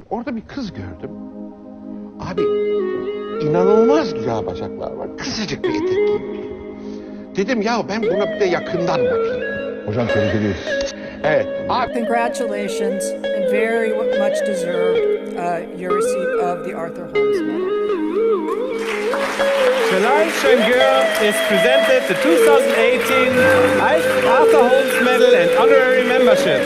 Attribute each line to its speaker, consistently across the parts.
Speaker 1: orada bir kız gördüm. Abi inanılmaz güzel bacaklar var. Kısacık bir etek giymiş. Dedim ya ben buna bir de yakından bakayım.
Speaker 2: Hocam tebrik ediyoruz.
Speaker 1: Evet. Abi
Speaker 3: Congratulations, and very much deserved your receipt of the Arthur Holmes Medal.
Speaker 4: Tonight's young girl is presented the 2018 Arthur Holmes Medal and Honorary Membership.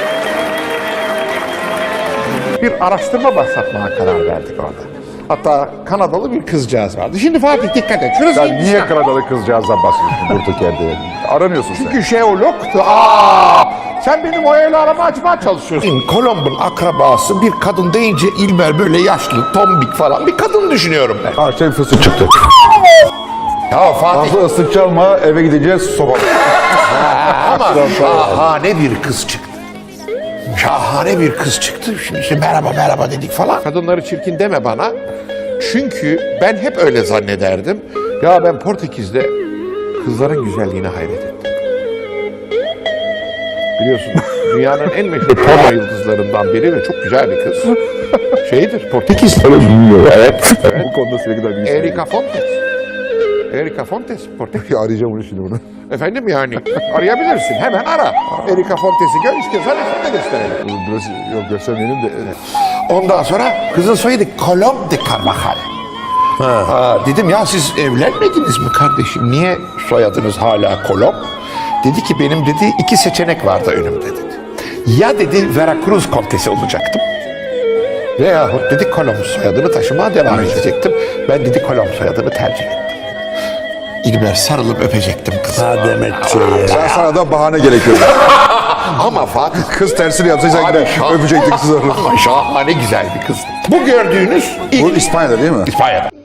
Speaker 1: bir araştırma başlatmaya karar verdik orada. Hatta Kanadalı bir kızcağız vardı. Şimdi Fatih dikkat et. Şurası
Speaker 2: Sen niye
Speaker 1: Hindistan.
Speaker 2: Kanadalı kızcağızdan bahsediyorsun durduk yerde? Aramıyorsun sen.
Speaker 1: Çünkü jeologtu. Sen benim o el arama açmaya çalışıyorsun. Kolomb'un akrabası bir kadın deyince İlber böyle yaşlı, tombik falan bir kadın düşünüyorum ben.
Speaker 2: Ha şey fıstık çıktı.
Speaker 1: Ya Fatih
Speaker 2: Fazla ıslık çalma, eve gideceğiz soba.
Speaker 1: ama şahane bir kız çıktı. Şahane bir kız çıktı. Şimdi işte merhaba merhaba dedik falan. Kadınları çirkin deme bana. Çünkü ben hep öyle zannederdim. Ya ben Portekiz'de kızların güzelliğine hayret ettim. Biliyorsun dünyanın en meşhur porno yıldızlarından biri ve çok güzel bir kız. Şeydir Portekiz.
Speaker 2: Bilmiyorum.
Speaker 1: Evet.
Speaker 2: Bu konuda sürekli de bilgisayar.
Speaker 1: Erika Fontes. Erika Fontes Portekiz.
Speaker 2: Arayacağım onu şimdi bunu.
Speaker 1: Efendim yani arayabilirsin. Hemen ara. Erika Fontes'i gör istiyorsan resim de gösterelim.
Speaker 2: Biraz yok göstermeyelim de.
Speaker 1: Ondan sonra kızın soyadı Colom de Carvajal. Dedim ya siz evlenmediniz mi kardeşim? Niye soyadınız hala Colom? Dedi ki benim dedi 2 seçenek vardı önümde dedi. Ya dedi Veracruz kontesi olacaktım. Veyahut dedi Colom soyadını taşımaya devam edecektim. Ben dedi Colom soyadını tercih ettim. İlber sarılıp öpecektim kızı.
Speaker 2: Sen sana da bahane gerekiyor.
Speaker 1: Ama Fatih
Speaker 2: Kız tersini yapsaysan
Speaker 1: Abi,
Speaker 2: gider öpecektik kızı.
Speaker 1: ama şahane güzel bir kız. Bu gördüğünüz
Speaker 2: Bu İspanya'da değil mi?
Speaker 1: İspanya'da.